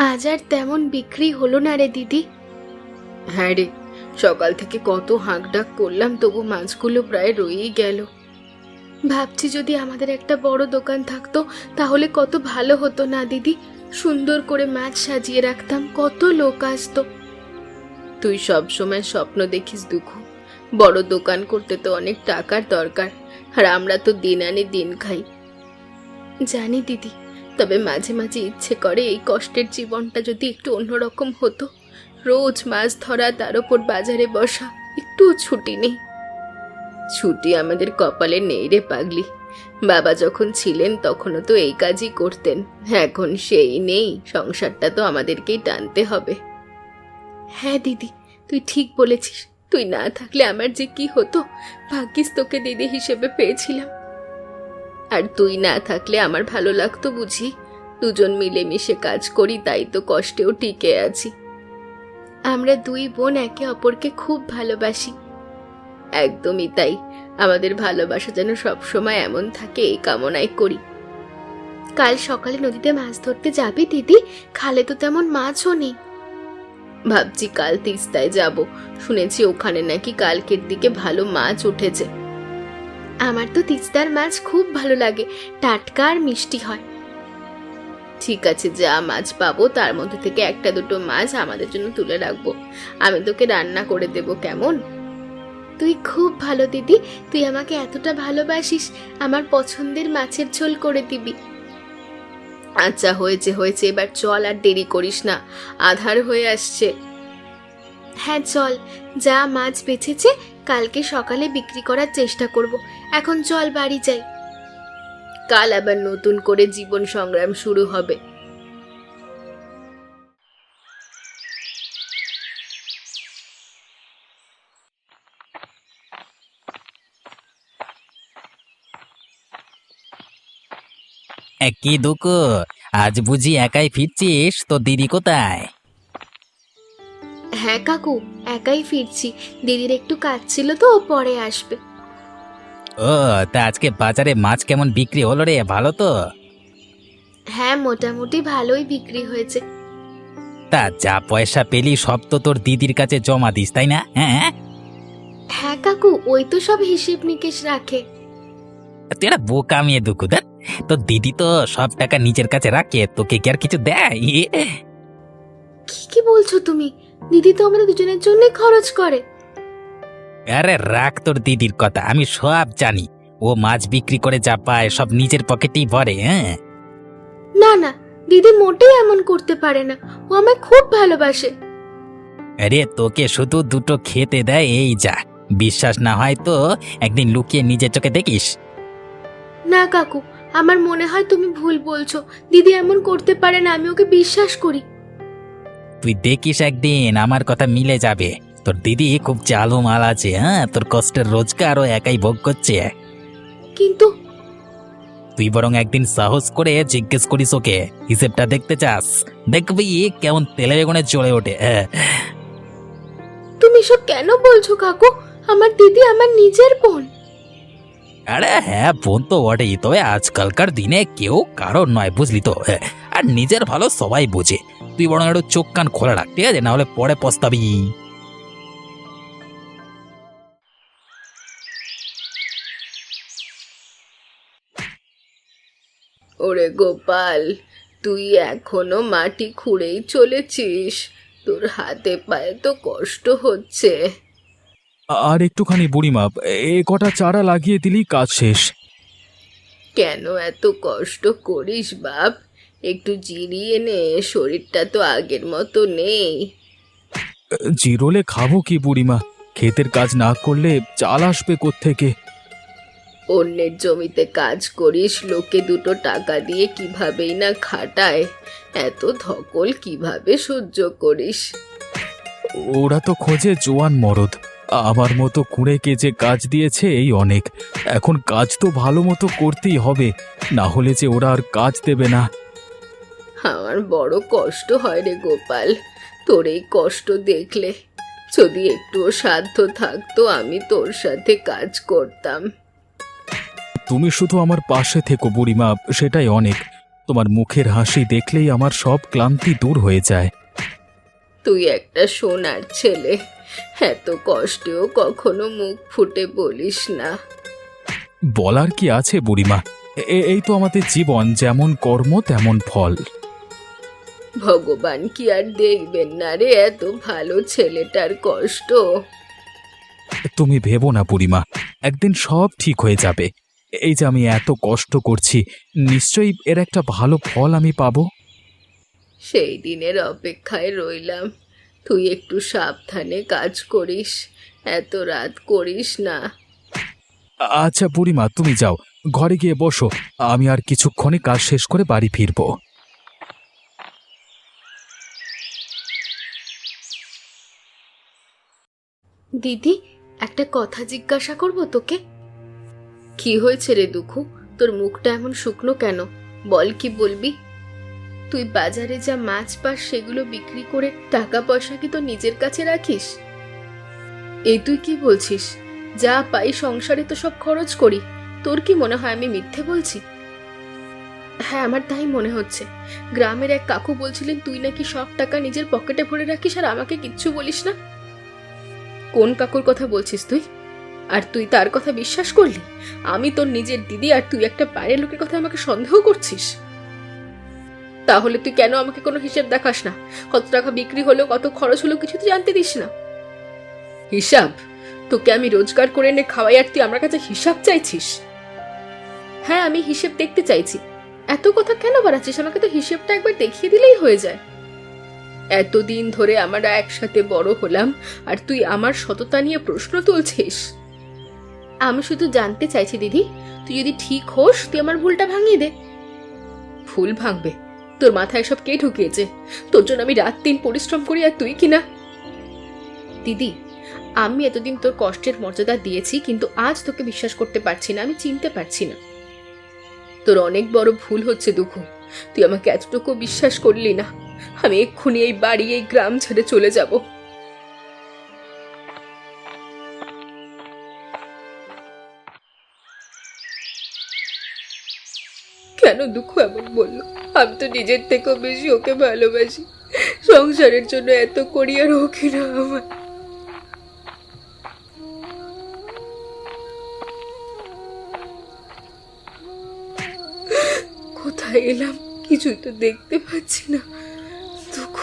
আজ আর তেমন বিক্রি হলো না রে দিদি। হ্যাঁ রে, সকাল থেকে কত হাঁকডাক করলাম, তবু মাছগুলো প্রায় রয়েই গেল। ভাবছি যদি আমাদের একটা বড় দোকান থাকতো তাহলে কত ভালো হতো না দিদি। সুন্দর করে মাছ সাজিয়ে রাখতাম, কত লোক আসতো। তুই সব সময় স্বপ্ন দেখিস দুঃখ, বড় দোকান করতে তো অনেক টাকার দরকার, আর আমরা তো দিন আনি দিন খাই। জানি দিদি, তবে মাঝে মাঝে ইচ্ছে করে এই কষ্টের জীবনটা যদি একটু অন্যরকম হতো। রোজ মাছ ধরা, তার উপর বাজারে বসা, একটুও ছুটি নেই। ছুটি আমাদের কপালে নেই রে পাগলি। বাবা যখন ছিলেন তখনও তো এই কাজই করতেন, এখন সেই নেই, সংসারটা তো আমাদেরকেই টানতে হবে। হ্যাঁ দিদি, তুই ঠিক বলেছিস। তুই না থাকলে আমার যে কি হতো। ভাগ্যিস তোকে দিদি হিসেবে পেয়েছিলাম। আর তুই না থাকলে আমার ভালো লাগতো বুঝি? দুজন মিলেমিশে কাজ করি, তাই তো কষ্টেও টিকে আছি। আমরা দুই বোন একে অপরকে খুব ভালোবাসি। একদমই তাই, আমাদের ভালোবাসা যেন সবসময় এমন থাকে এই কামনাই করি। কাল সকালে নদীতে মাছ ধরতে যাবি দিদি? খালে তো তেমন মাছও নেই। ভাবছি কাল তিস্তায় যাব, শুনেছি ওখানে নাকি কালকের দিকে ভালো মাছ উঠেছে। আমার তো তিস্তার মাছ খুব ভালো লাগে, টাটকা আর মিষ্টি হয়। ঠিক আছে, যা মাছ পাবো তার মধ্যে থেকে একটা দুটো মাছ আমাদের জন্য তুলে রাখবো, আমি তোকে রান্না করে দেবো, কেমন? তুই খুব ভালো দিদি, তুই আমাকে এতটা ভালোবাসিস, আমার পছন্দের মাছের ঝোল করে দিবি। আচ্ছা হয়েছে হয়েছে, এবার চল, আর দেরি করিস না, আধার হয়ে আসছে। হ্যাঁ চল, যা মাছ বেঁচেছে কালকে সকালে বিক্রি করার চেষ্টা করব। এখন চল বাড়ি যাই। কাল আবার নতুন করে জীবন সংগ্রাম শুরু হবে। কি দুকু, আজ বুঝি একাই ফিরছিস? তো দিদি কোথায়? হ্যাঁ কাকু, একাই ফিরছি। দিদির একটু কাজ ছিল তো, ও পরে আসবে। ও, তা আজকে বাজারে মাছ কেমন বিক্রি হলো রে? ভালো তো? হ্যাঁ মোটামুটি ভালোই বিক্রি হয়েছে। তা যা পয়সা পেলি সব তো তোর দিদির কাছে জমা দিস, তাই না? হ্যাঁ হ্যাঁ কাকু, ওই তো সব হিসেব নিকেশ রাখে। তুই একটা বোকা মেয়ে দুকু, দেখ তোর দিদি তো সব টাকা নিজের কাছে রাখে, তোকে কি আর কিছু দেয়? কি কি বলছো তুমি? দিদি তো আমাদের দুজনের জন্য খরচ করে। আরে রাখ তোর দিদির কথা, আমি সব জানি। ও মাছ বিক্রি করে যা পায় সব নিজের পকেটেই ভরে। হ্যাঁ না না, দিদি মোটেই এমন করতে পারে না, ও আমায় খুব ভালোবাসে। আরে তোকে শুধু দুটো খেতে দেয়, এই যা। বিশ্বাস না হয় তো একদিন লুকিয়ে নিজের চোখে দেখিস। না কাকু, আমার মনে হয় তুমি ভুল বলছো। দিদি এমন করতে পারে না, আমি ওকে বিশ্বাস করি। তুই দেখিস একদিন আমার কথা মিলে যাবে। তোর দিদি খুব চালু মাল আছে। হ্যাঁ, তোর কষ্টের রোজগারও একাই ভোগ করছে। কিন্তু তুই বরং একদিন সাহস করে জিজ্ঞেস করিস ওকে, হিসেবটা দেখতে চাস? দেখবি কেমন তেলে বেগুনে চলে ওঠে। তুমি সব কেন বলছো কাকু? আমার দিদি আমার নিজের বোন। আরে হ্যাঁ, বোন তো বটেই, তবে আজকালকার দিনে কেউ কারোর নয়, বুঝলি তো? আর নিজের ভালো সবাই বোঝে। তুই বরং একটু চোখ কান খোলা রাখ, ঠিক আছে? না হলে পরে পস্তাবি। ওরে গোপাল, তুই এখনো মাটি খুঁড়েই চলেছিস? তোর হাতে পায়ে তো কষ্ট হচ্ছে। আর একটুখানি বুড়িমা, এ কটা চারা লাগিয়ে দিলি কাজ শেষ। কেন এত কষ্ট করিস বাপ? একটু জিরিয়ে নে, শরীরটা তো আগের মতো নেই। জিরোলে খাবো কি বুড়িমা? ক্ষেতের কাজ না করলে চাল আসবে কোত্থেকে? অন্যের জমিতে কাজ করিস, লোকে দুটো টাকা দিয়ে কিভাবেই না খাটায়, এত ধকল কিভাবে সহ্য করিস? ওরা তো খোঁজে জোয়ান মরদ। আমার মতো কুঁড়েকে যে কাজ দিয়েছে এই অনেক। এখন কাজ তো ভালো মতো করতেই হবে, না হলে যে ওরা আর কাজ দেবে না। আমার বড় কষ্ট হয় রে গোপাল, তোর এই কষ্ট দেখলে। যদি একটুও সাধ্য থাকতো আমি তোর সাথে কাজ করতাম। তুমি শুধু আমার পাশে থেকো বুড়িমা, সেটাই অনেক। তোমার মুখের হাসি দেখলেই আমার সব ক্লান্তি দূর হয়ে যায়। তুই একটা সোনার ছেলে, এত কষ্টেও কখনো মুখ ফুটে বলিস না। বলার কি আছে বুড়িমা, এই তো আমাদের জীবন, যেমন কর্ম তেমন ফল। ভগবান কি আর দেখবেন না রে এত ভালো ছেলেটার কষ্ট? তুমি ভেবো না বুড়িমা, একদিন সব ঠিক হয়ে যাবে। এই যে আমি এত কষ্ট করছি, নিশ্চয়ই এর একটা ভালো ফল আমি পাবো। সেই দিনের অপেক্ষায় রইলাম। তুই একটু সাবধানে কাজ করিস, এত রাত করিস না। আচ্ছা বুড়িমা, তুমি যাও, ঘরে গিয়ে বসো, আমি আর কিছুক্ষণে কাজ শেষ করে বাড়ি ফিরবো। দিদি, একটা কথা জিজ্ঞাসা করব তোকে? কি হয়েছে রে দুঃখু? তোর মুখটা এমন শুকনো কেন? বল, কি বলবি? তুই বাজারে যা মাছ পাস সেগুলো বিক্রি করে টাকা পয়সা কি তোর নিজের কাছে রাখিস? এই তুই কি বলছিস? যা পাই সংসারে তো সব খরচ করি। তোর কি মনে হয় আমি মিথ্যে বলছি? হ্যাঁ, আমার তাই মনে হচ্ছে। গ্রামের এক কাকু বলছিলেন তুই নাকি সব টাকা নিজের পকেটে ভরে রাখিস আর আমাকে কিচ্ছু বলিস না। কোন কাকুর কথা বলছিস তুই? আর তুই তার কথা বিশ্বাস করলি? আমি তোর নিজের দিদি আর তুই একটা বাইরের লোকের কথা আমাকে সন্দেহ করছিস? তাহলে তুই কেন আমাকে কোনো হিসেব দেখাস না? কত টাকা বিক্রি হলো, কত খরচ হলো, কিছু তুই জানতে দিস না। হিসাব? তোকে আমি রোজগার করে এনে খাওয়াই আর তুই আমার কাছে হিসাব চাইছিস? হ্যাঁ, আমি হিসেব দেখতে চাইছি। এত কথা কেন বাড়াচ্ছিস? আমাকে তো হিসেবটা একবার দেখিয়ে দিলেই হয়ে যায়। এতদিন ধরে আমরা একসাথে বড় হলাম আর তুই আমার সততা নিয়ে প্রশ্ন তুলছিস? আমি শুধু জানতে চাইছি দিদি, তুই যদি ঠিক হোস তুই আমার ভুলটা ভাঙিয়ে দে। ভুল ভাঙবে? তোর মাথায় সব কে ঢুকিয়েছে? তোর জন্য আমি রাত দিন পরিশ্রম করি আর তুই কিনা। দিদি, আমি এতদিন তোর কষ্টের মর্যাদা দিয়েছি, কিন্তু আজ তোকে বিশ্বাস করতে পারছি না, আমি চিনতে পারছি না। তোর অনেক বড় ভুল হচ্ছে দুঃখু। তুই আমাকে এতটুকু বিশ্বাস করলি না। আমি এক্ষুনি এই বাড়ি, এই গ্রাম ছেড়ে চলে যাব। কেন দুঃখ এমন বললো? আমি তো নিজের থেকেও বেশি ওকে ভালোবাসি। সংসারের জন্য এত করি আর ওকে না আমার। কোথায় এলাম? কিছুই তো দেখতে পাচ্ছি না। দুঃখ,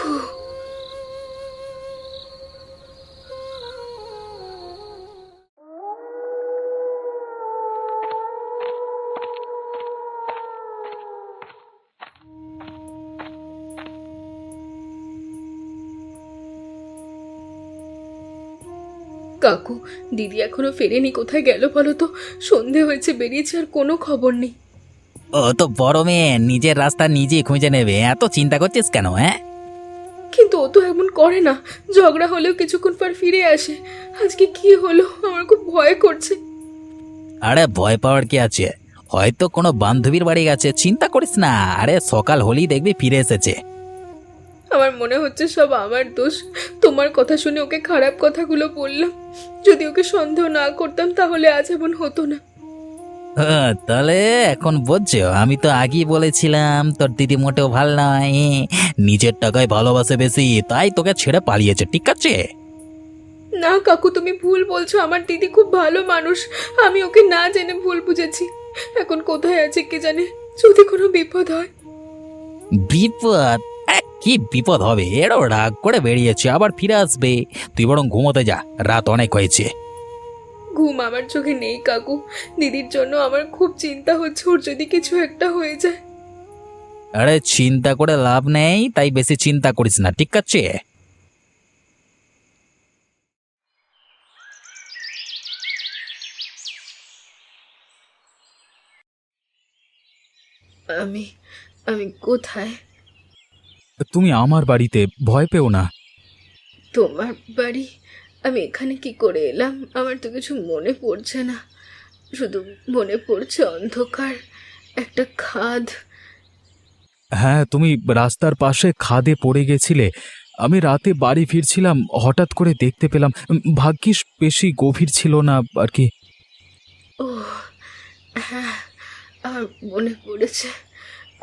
কাকু, দিদি এখনো ফেরেনি। কোথায় গেল বলো তো? সন্ধে হয়েছে, বেরিয়েছে, আর কোনো খবর নেই। ও তো বড় মেয়ে, নিজের রাস্তা নিজে খুঁজে নেবে, এত চিন্তা করছিস কেন? হ্যাঁ, কিন্তু ও তো এমন করে না। ঝগড়া হলেও কিছুক্ষণ পর ফিরে আসে। আজকে কি হলো? আমার খুব ভয় করছে। আরে ভয় পাওয়ার কি আছে? হয়তো কোনো বান্ধবীর বাড়ি গেছে, চিন্তা করিস না। আরে সকাল হলেই দেখবি ফিরে এসেছে। আমার মনে হচ্ছে সব আমার দোষ। তোমার কথা শুনে ওকে খারাপ কথাগুলো বললাম। যদি ওকে সন্দেহ না করতাম তাহলে আজ এমন হতো না। তাহলে এখন বুঝছো? আমি তো আগেই বলেছিলাম তোর দিদি মোটেও ভাল নয়, নিজের টাকায় ভালোবাসে বেশি, তাই তোকে ছেড়ে পালিয়েছে। ঠিক আছে? না কাকু, তুমি ভুল বলছো। আমার দিদি খুব ভালো মানুষ। আমি ওকে না জেনে ভুল বুঝেছি। এখন কোথায় আছে কে জানে, যদি কোনো বিপদ হয়। বিপদ? কি বিপদ হবে? এরও রাগ করে বেরিয়েছে, আবার ফিরে আসবে। তুই বরং ঘুমোতে যা, রাত অনেক হয়েছে। ঘুম আমার চোখে নেই কাকু। দিদির জন্য আমার খুব চিন্তা হচ্ছে, ওর যদি কিছু একটা হয়ে যায়। আরে চিন্তা করে লাভ নেই, তাই বেশি চিন্তা করিস না, ঠিক আছে? আমি আমি কোথায়? তুমি আমার বাড়িতে, ভয় পেও না। তোমার বাড়ি? আমি এখানে কি করে এলাম? আমার তো কিছু মনে পড়ছে না। শুধু মনে পড়ছে অন্ধকার, একটা খাদ। হ্যাঁ, তুমি রাস্তার পাশে খাদে পড়ে গেছিলে। আমি রাতে বাড়ি ফিরছিলাম, হঠাৎ করে দেখতে পেলাম। ভাগ্যিস বেশি গভীর ছিল না আর কি। ও হ্যাঁ, আমার মনে পড়েছে।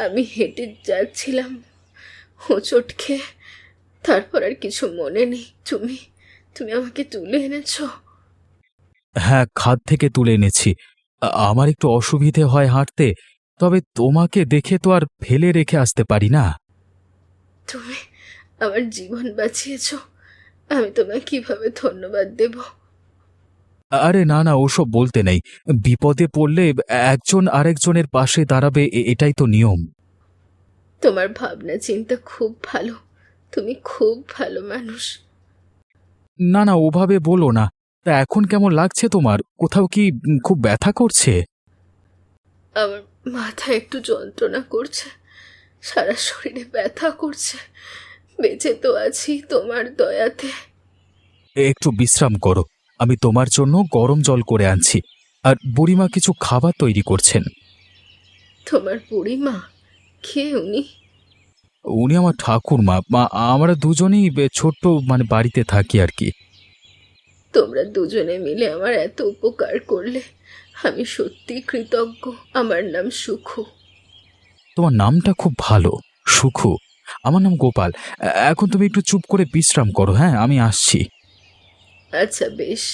আমি হেঁটে যাচ্ছিলাম, হোঁচট খেয়ে, তারপর আর কিছু মনে নেই। তুমি তুমি আমাকে তুলে এনেছো। হ্যাঁ, খাদ থেকে তুলে এনেছি। আমার একটু অসুবিধে হয় হাঁটতে, তবে তোমাকে দেখে তো আর ফেলে রেখে আসতে পারি না। তুমি আমার জীবন বাঁচিয়েছো, আমি তোমায় কিভাবে ধন্যবাদ দেব? আরে না না, ওসব বলতে নেই। বিপদে পড়লে একজন আরেকজনের পাশে দাঁড়াবে, এটাই তো নিয়ম। তোমার ভাবনা চিন্তা খুব ভালো, তুমি খুব ভালো মানুষ। না না, ওভাবে বলো না। তা এখন কেমন লাগছে তোমার? কোথাও কি খুব ব্যথা করছে? আমার মাথা একটু যন্ত্রণা করছে, সারা শরীরে ব্যথা করছে। বেঁচে তো আছি তোমার দয়াতে। একটু বিশ্রাম করো, আমি তোমার জন্য গরম জল করে আনছি। আর বুড়িমা কিছু খাবার তৈরি করছেন। তোমার বুড়িমা? কে উনি? উনি আমার ঠাকুরমা। আমরা দুজনেই ছোট্ট বাড়িতে থাকি আর কি। তোমরা দুজনে মিলে আমার এত উপকার করলে, আমি সত্যি কৃতজ্ঞ। আমার নাম সুখু। তোমার নামটা খুব ভালো, সুখু। আমার নাম গোপাল। এখন তুমি একটু চুপ করে বিশ্রাম করো, হ্যাঁ? আমি আসছি। আচ্ছা, বেশ।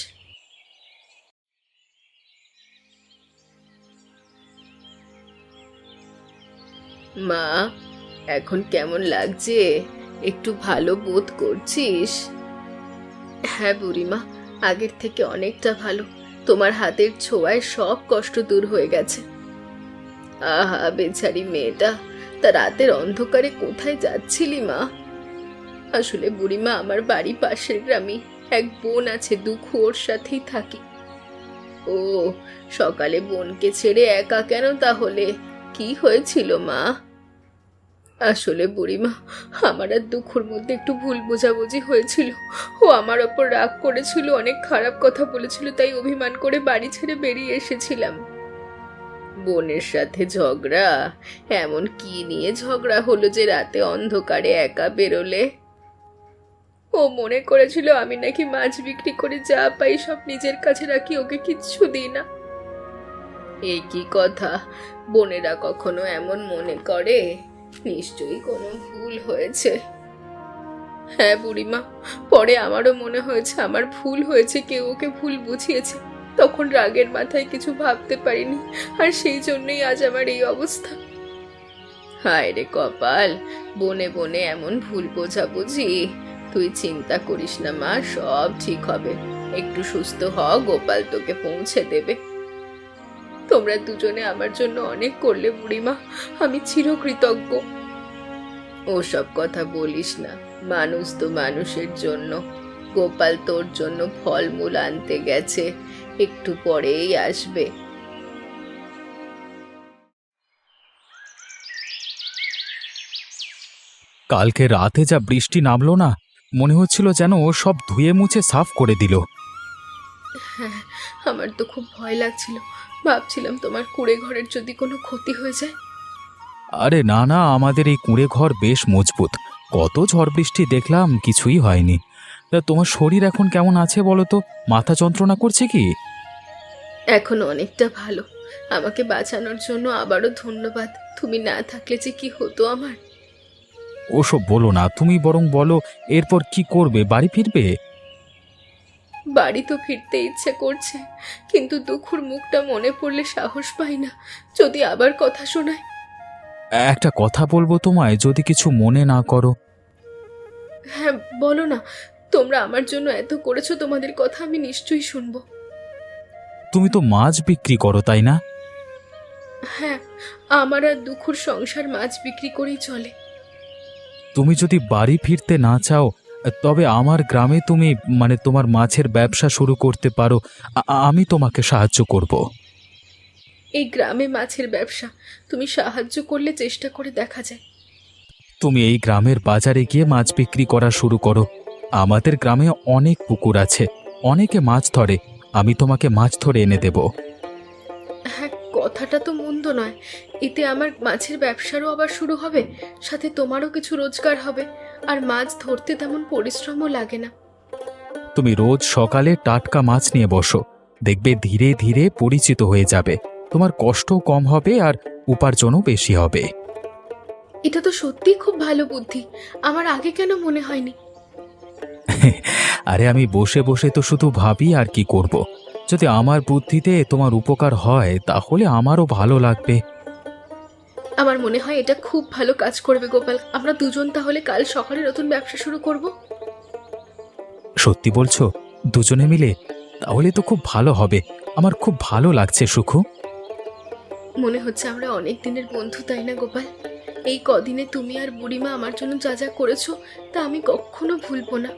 মা, এখন কেমন লাগছে? একটু ভালো বোধ করছিস? হ্যাঁ বুড়িমা, আগের থেকে অনেকটা ভালো। তোমার হাতের ছোঁয়ায় সব কষ্ট দূর হয়ে গেছে। আহা, বেচারি মেয়েটা, তা রাতের অন্ধকারে কোথায় যাচ্ছিলি মা? আসলে বুড়িমা, আমার বাড়ি পাশের গ্রামে এক বোন আছে, দুঃখু, ওর সাথেই থাকি। ও, সকালে বোনকে ছেড়ে একা কেন তাহলে? কি হয়েছিল মা? আসলে বুড়িমা, আমার আর দুঃখুর মধ্যে একটু ভুল বোঝাবুঝি হয়েছিল। ও আমার ওপর রাগ করেছিল, অনেক খারাপ কথা বলেছিল, তাই অভিমান করে বাড়ি ছেড়ে বেরিয়ে এসেছিলাম। বোনের সাথে ঝগড়া? এমন কি নিয়ে ঝগড়া হলো যে রাতে অন্ধকারে একা বেরোলে? ও মনে করেছিল আমি নাকি মাছ বিক্রি করে যা পাই সব নিজের কাছে রাখি, ওকে কিচ্ছু দিই না। এই কি কথা? বোনেরা কখনো এমন মনে করে? নিশ্চয়ই কোনো ভুল হয়েছে। হ্যাঁ বুড়িমা, পরে আমারও মনে হয়েছে আমার ভুল হয়েছে, কেউ ওকে ভুল বুঝিয়েছে। তখন রাগের মাথায় কিছু ভাবতে পারিনি, আর সেই জন্যই আজ আমার এই অবস্থা। হায় রে কপাল, বনে বনে এমন ভুল বোঝাবুঝি। তুই চিন্তা করিস না মা, সব ঠিক হবে। একটু সুস্থ হ, গোপাল তোকে পৌঁছে দেবে। তোমরা দুজনে আমার জন্য অনেক করলে বুড়িমা, আমি চিরকৃতজ্ঞ। ওসব কথা বলিস না, মানুষ তো মানুষের জন্য। গোপাল তোর জন্য ফলমূল আনতে গেছে, একটু পরেই আসবে। কালকে রাতে যা বৃষ্টি নামলো না, মনে হচ্ছিল যেন ও সব ধুয়ে মুছে সাফ করে দিল। হ্যাঁ, আমার তো খুব ভয় লাগছিল। ভাবছিলাম তোমার কুঁড়ে ঘরের যদি কোনো ক্ষতি হয়ে যায়। আরে না না, আমাদের এই কুঁড়ে ঘর বেশ মজবুত। কত ঝড় বৃষ্টি দেখলাম, কিছুই হয়নি। তা তোমার শরীর এখন কেমন আছে বলো তো? মাথা যন্ত্রণা করছে কি? এখন অনেকটা ভালো। আমাকে বাঁচানোর জন্য আবারও ধন্যবাদ। তুমি না থাকলে যে কি হতো আমার। ওসব বলো না, তুমি বরং বলো এরপর কি করবে? বাড়ি ফিরবে? বাড়ি তো ফিরতে ইচ্ছে করছে, কিন্তু দুঃখুর মুখটা মনে পড়লে সাহস পাই না। যদি আবার কথা শোনায়। একটা কথা বলবো তোমায়, যদি কিছু মনে না করো। হ্যাঁ বলো না, তোমরা আমার জন্য এত করেছো, তোমাদের কথা আমি নিশ্চয়ই শুনবো। তুমি তো মাছ বিক্রি করো, তাই না? হ্যাঁ, আমার আর দুঃখুর সংসার মাছ বিক্রি করেই চলে। তুমি যদি বাড়ি ফিরতে না চাও, তবে আমার গ্রামে তুমি তোমার মাছের ব্যবসা শুরু করতে পারো। আমি তোমাকে সাহায্য করব। এই গ্রামে মাছের ব্যবসা? তুমি সাহায্য করলে চেষ্টা করে দেখা যায়। তুমি এই গ্রামের বাজারে গিয়ে মাছ বিক্রি করা শুরু করো। আমাদের গ্রামে অনেক পুকুর আছে, অনেকে মাছ ধরে। আমি তোমাকে মাছ ধরে এনে দেব। হ্যাঁ, কথাটা তো মন্দ নয়। এতে আমার মাছের ব্যবসারও আবার শুরু হবে, সাথে তোমারও কিছু রোজগার হবে, আর মাছ ধরতে তেমন পরিশ্রমও লাগে না। তুমি রোজ সকালে টাটকা মাছ নিয়ে বসো, দেখবে ধীরে ধীরে পরিচিত হয়ে যাবে। তোমার কষ্টও কম হবে আর উপার্জনও বেশি হবে। এটা তো সত্যিই খুব ভালো বুদ্ধি, আমার আগে কেন মনে হয়নি? আরে আমি বসে বসে তো শুধু ভাবি আর কি করব। যদি আমার বুদ্ধিতে তোমার উপকার হয় তাহলে আমারও ভালো লাগবে। আমার মনে হয় এটা খুব ভালো কাজ করবে গোপাল। আমরা দুজন তাহলে কাল সকালে নতুন ব্যবসা শুরু করব। সত্যি বলছো? দুজনে মিলে? তাহলে তো খুব ভালো হবে। আমার খুব ভালো লাগছে সুখু। মনে হচ্ছে আমরা অনেক দিনের বন্ধু, তাই না গোপাল? এই কদিনে তুমি আর বুড়িমা আমার জন্য যা যা করেছো তা আমি কখনো ভুলবো না।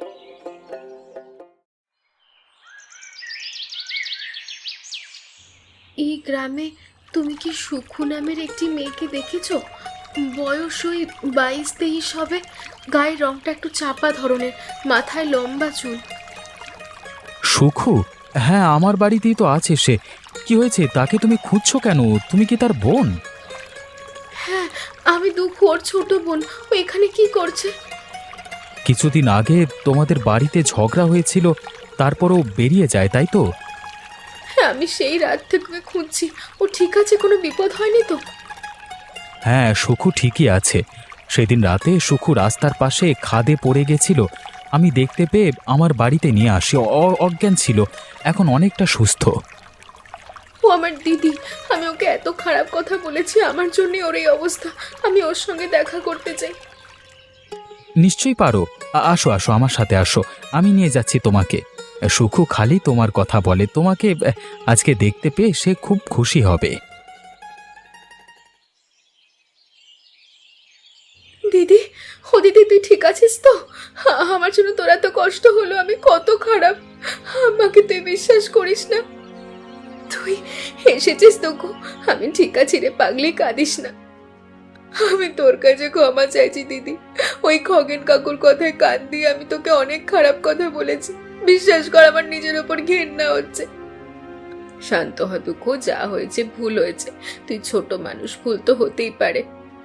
এই গ্রামে তুমি কি সুখু নামের একটি মেয়েকে দেখেছো? বয়স ওই 22-23 হবে, গায়ের রংটা একটু চাপা ধরনের, মাথায় লম্বা চুল। সুখু? হ্যাঁ, আমার বাড়িতেই তো আছে সে। কি হয়েছে? তাকে তুমি খুঁজছো কেন? তুমি কি তার বোন? হ্যাঁ, আমি দুঃখু, ওর ছোট বোন। ও এখানে কি করছে? কিছুদিন আগে তোমাদের বাড়িতে ঝগড়া হয়েছিল, তারপরও বেরিয়ে যায়, তাই তো? হ্যাঁ, আমি সেই রাত থেকে ওকে খুঁজছি। ও ঠিক আছে? কোনো বিপদ হয়নি তো? হ্যাঁ, সুখু ঠিকই আছে। সেদিন রাতে সুখু রাস্তার পাশে খাদে পড়ে গেছিল। আমি দেখতে পেয়ে আমার বাড়িতে নিয়ে আসি। অজ্ঞান ছিল, এখন অনেকটা সুস্থ। ও আমার দিদি, আমি ওকে এত খারাপ কথা বলেছি, আমার জন্যই ওর এই অবস্থা। আমি ওর সঙ্গে দেখা করতে চাই। নিশ্চয়ই পারো। আসো আসো, আমার সাথে আসো, আমি নিয়ে যাচ্ছি তোমাকে। সুখু খালি তোমার কথা বলে, তোমাকে আজকে দেখতে পেয়ে সে খুব খুশি হবে। দিদি, ও দিদি, তুই ঠিক আছিস তো? আমার জন্য তোর এত কষ্ট হলো, আমি কত খারাপ। আমাকে তুই বিশ্বাস করিস না। তুই এসেছিস তো গো, আমি ঠিক আছি রে পাগলি, কাঁদিস না। আমি তোর কাছে ক্ষমা চাইছি দিদি। ওই খগেন কাকুর কথায় কান দিয়ে আমি তোকে অনেক খারাপ কথা বলেছি। বিশ্বাস কর, আমার নিজের ওপর ঘেন্না হচ্ছে। শান্ত হ দুঃখ, যা হয়েছে ভুল হয়েছে। তুই ছোট মানুষ, ভুল তো হতেই পারে।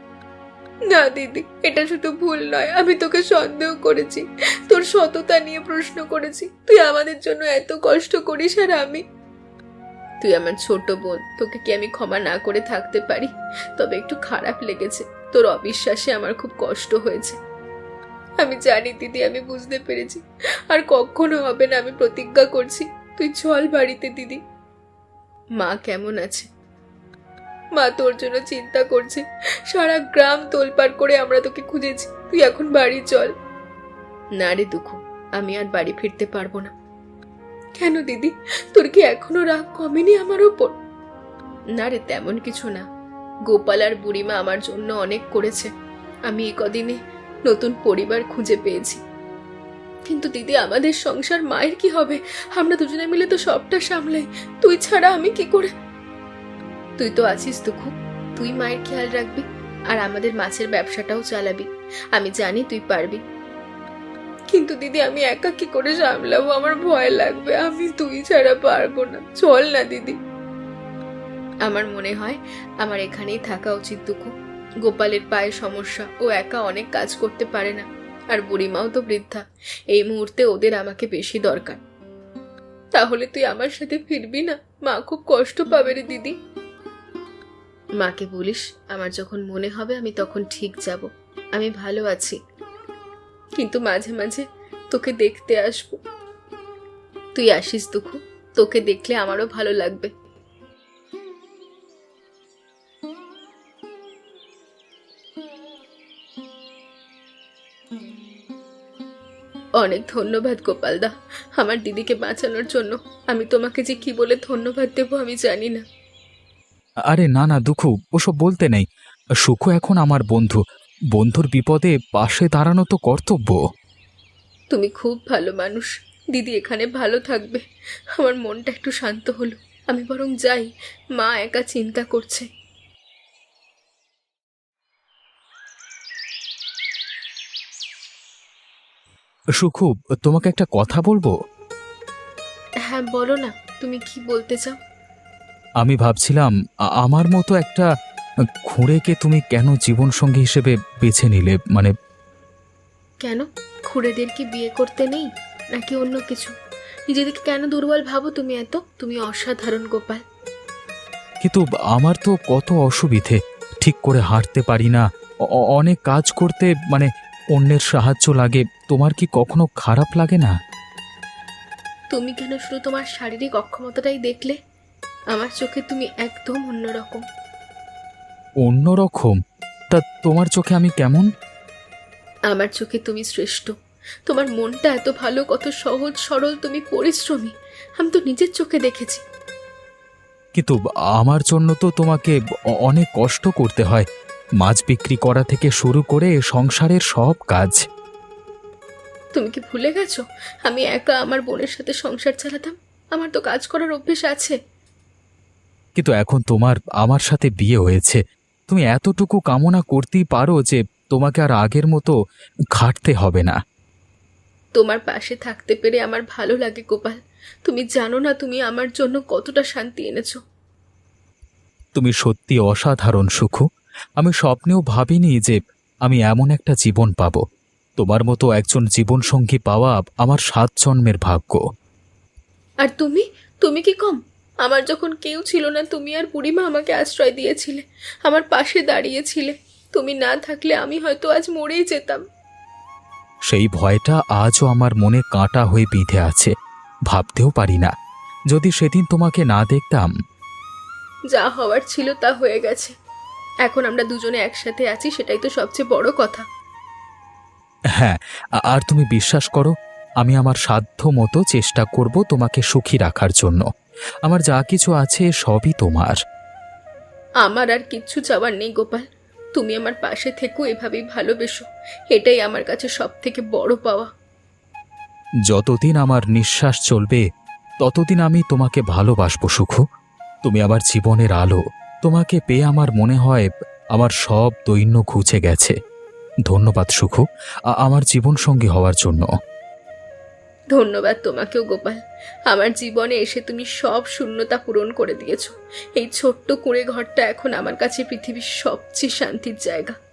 না দিদি, এটা শুধু ভুল নয়, আমি তোকে সন্দেহ করেছি, তোর সততা নিয়ে প্রশ্ন করেছি। তুই আমাদের জন্য এত কষ্ট করিস আর আমি। তুই আমার ছোট বোন, তোকে কি আমি ক্ষমা না করে থাকতে পারি? তবে একটু খারাপ লেগেছে, তোর অবিশ্বাসে আমার খুব কষ্ট হয়েছে। আমি জানি দিদি, আমি বুঝতে পেরেছি। আর কখনো হবে না, আমি প্রতিজ্ঞা করছি। তুই চল বাড়িতে দিদি। মা কেমন আছে? মা তোর জন্য চিন্তা করছে, সারা গ্রাম তোলপাড় করে আমরা তোকে খুঁজেছি। তুই এখন বাড়ি চল। না রে দুঃখু, আমি আর বাড়ি ফিরতে পারবো না। কেন দিদি, তোর কি এখনো রাগ কমেনি আমার ওপর? না রে, তেমন কিছু না। গোপাল আর বুড়িমা আমার জন্য অনেক করেছে। আমি এই কদিনে নতুন পরিবার খুঁজে পেয়েছি। কিন্তু দিদি, আমাদের সংসার মায়ের কি হবে? আমরা দুজনে মিলে তো সবটা সামলাই। তুই ছাড়া আমি কি করে? তুই তো আছিস দুঃখু, তুই মায়ের খেয়াল রাখবি আর আমাদের মাছের ব্যবসাটাও চালাবি। আমি জানি তুই পারবি। কিন্তু দিদি, আমি একা কি করে সামলাবো? আমার ভয় লাগবে। আমি তুই ছাড়া পারবো না। চল না দিদি। আমার মনে হয় আমার এখানেই থাকা উচিত দুঃখু। গোপালের পায়ে সমস্যা, ও একা অনেক কাজ করতে পারে না। আর বুড়িমাও তো বৃদ্ধা, এই মুহূর্তে ওদের আমাকে বেশি দরকার। তাহলে তুই আমার সাথে ফিরবি না? মা খুব কষ্ট পাবে রে দিদি। মাকে বলিস আমার যখন মনে হবে আমি তখন ঠিক যাব। আমি ভালো আছি, কিন্তু মাঝে মাঝে তোকে দেখতে আসবো। তুই আসিস দুঃখু, তোকে দেখলে আমারও ভালো লাগবে। অনেক ধন্যবাদ গোপালদা, আমার দিদিকে বাঁচানোর জন্য। আমি তোমাকে যে কি বলে ধন্যবাদ দেবো আমি জানি না। আরে না না দুঃখু, ওসব বলতে নেই। সুখু এখন আমার বন্ধু। বন্ধুর বিপদে পাশে দাঁড়ানো তো কর্তব্য। তুমি খুব ভালো মানুষ দিদি, এখানে ভালো থাকবে। আমার মনটা একটু শান্ত হলো। আমি বরং যাই, মা একা চিন্তা করছে। সুখু, তোমাকে একটা কথা বলবো? হ্যাঁ বলো না, তুমি কি বলতে চাও? আমি ভাবছিলাম আমার মতো একটা খুঁড়েকে তুমি কেন জীবনসঙ্গী হিসেবে বেছে নিলে? মানে কেন? খুড়েদের কি বিয়ে করতে নেই নাকি অন্য কিছু? নিজেদেরকে কেন দুর্বল ভাবো তুমি এত? তুমি অসাধারণ গোপাল। কিন্তু আমার তো কত অসুবিধে, ঠিক করে হাঁটতে পারি না, অনেক কাজ করতে মানে অন্যের সাহায্য লাগে, তোমার কি কখনো খারাপ লাগে না? তুমি কেন শুধু তোমার শারীরিক অক্ষমতাটাই দেখলে? আমার চোখে তুমি একদম অন্যরকম। অন্যরকম? তা তোমার চোখে আমি কেমন? আমার চোখে তুমি শ্রেষ্ঠ। তোমার মনটা এত ভালো, কত সহজ সরল, তুমি পরিশ্রমী। আমি তো নিজের চোখে দেখেছি। কিন্তু আমার জন্য তো তোমাকে অনেক কষ্ট করতে হয়, মাছ বিক্রি করা থেকে শুরু করে সংসারের সব কাজ। তুমি কি ভুলে গেছো আমি একা আমার বোনের সাথে সংসার চালাতাম? আমার তো কাজ করার অভ্যেস আছে। কিন্তু এখন তোমার আমার সাথে বিয়ে হয়েছে, তুমি এতটুকু কামনা করতেই পারো যে তোমাকে আর আগের মতো খাটতে হবে না। তোমার পাশে থাকতে পেরে আমার ভালো লাগে গোপাল। তুমি জানো না তুমি আমার জন্য কতটা শান্তি এনেছো। তুমি সত্যি অসাধারণ সুখু। আমি স্বপ্নেও ভাবিনি যে আমি এমন একটা জীবন পাব। তোমার মতো একজন জীবনসঙ্গী পাওয়া আমার 7 জন্মের ভাগ্য। আর তুমি, তুমি কি কম? আমার যখন কেউ ছিল না, তুমি আর বুড়িমা আমাকে আশ্রয় দিয়েছিলে, আমার পাশে দাঁড়িয়েছিলে। তুমি না থাকলে আমি হয়তো আজ মরেই যেতাম। সেই ভয়টা আজও আমার মনে কাঁটা হয়ে বিঁধে আছে। ভাবতেও পারি না যদি সেদিন তোমাকে না দেখতাম। যা হওয়ার ছিল তা হয়ে গেছে। এখন আমরা দুজনে একসাথে আছি, সেটাই তো সবচেয়ে বড় কথা। হ্যাঁ, আর তুমি বিশ্বাস করো, আমি আমার সাধ্য মতো চেষ্টা করব তোমাকে সুখী রাখার জন্য। আমার যা কিছু আছে সবই তোমার। আমার আর কিচ্ছু চাওয়ার নেই গোপাল। তুমি আমার পাশে থেকো, এভাবেই ভালোবেসো। এটাই আমার কাছে সব থেকে বড় পাওয়া। যতদিন আমার নিঃশ্বাস চলবে ততদিন আমি তোমাকে ভালোবাসবো সুখু। তুমি আমার জীবনের আলো। তোমাকে পেয়ে আমার মনে হয় আমার সব দৈন্য ঘুচে গেছে। ধন্যবাদ সুখু, আমার জীবনসঙ্গী হওয়ার জন্য। ধন্যবাদ তোমাকেও গোপাল। আমার জীবনে এসে তুমি সব শূন্যতা পূরণ করে দিয়েছো। এই ছোট্ট কুঁড়ে ঘরটা এখন আমার কাছে পৃথিবীর সবচেয়ে শান্তির জায়গা।